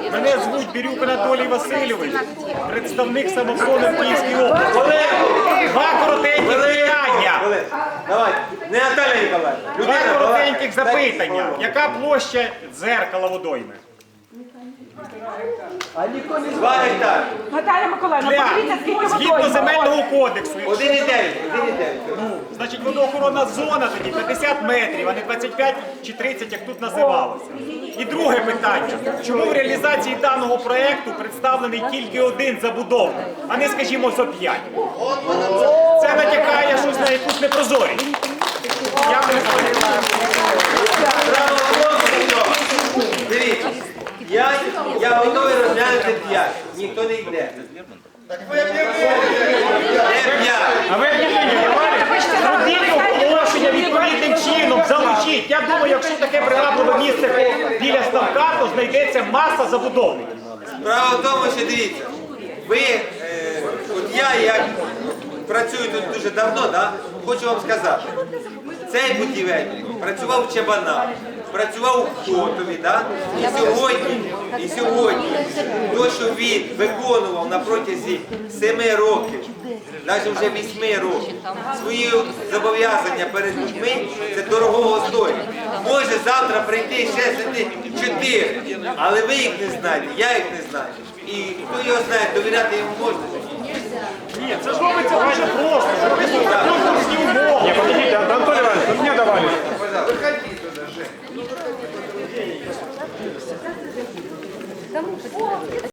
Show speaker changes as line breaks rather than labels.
Мене звуть Бірюк Анатолій Васильович, представник самооборони в Київській області. Два коротеньких питання.
Давай, не Наталя Ніколаївна.
Два коротеньких запитання. Яка площа дзеркала водойми?
2 гектари.
Наталя Миколаївна, подивіться, скільки
Згідно
водойм.
земельного кодексу,
1,9.
значить водоохоронна зона тоді 50 метрів, а не 25 чи 30, як тут називалося. І друге питання. Чому в реалізації даного проєкту представлений тільки один забудовник, а не, скажімо, зо 5? Це натякає щось на якусь непрозорість. Дякую за увагу.
Право голосу. Дивіться, я готовий розглянути 5. Ніхто не йде. Не 5.
А ви зробіть оголошення відповідним чином, залучіть. Я думаю, якщо таке привабливе місце біля ставка, то знайдеться маса забудовників.
Справа в тому, що дивіться, ви, от я працюю тут дуже давно, да? Хочу вам сказати, цей будівельник працював в Чабанах, працював у Котові, да? І сьогодні, то, що він виконував на протязі 7 років, навіть вже 8 років, свої зобов'язання перед людьми, це дорогого стоїть. Може завтра прийти ще сидіти 4, але ви їх не знаєте, я їх не знаю. І хто його знає, довіряти йому можна.
Ні, це ж робиться дуже просто. Робиться конкурсні умови.
Не, подождите, Антон Иванович, вы мне давали.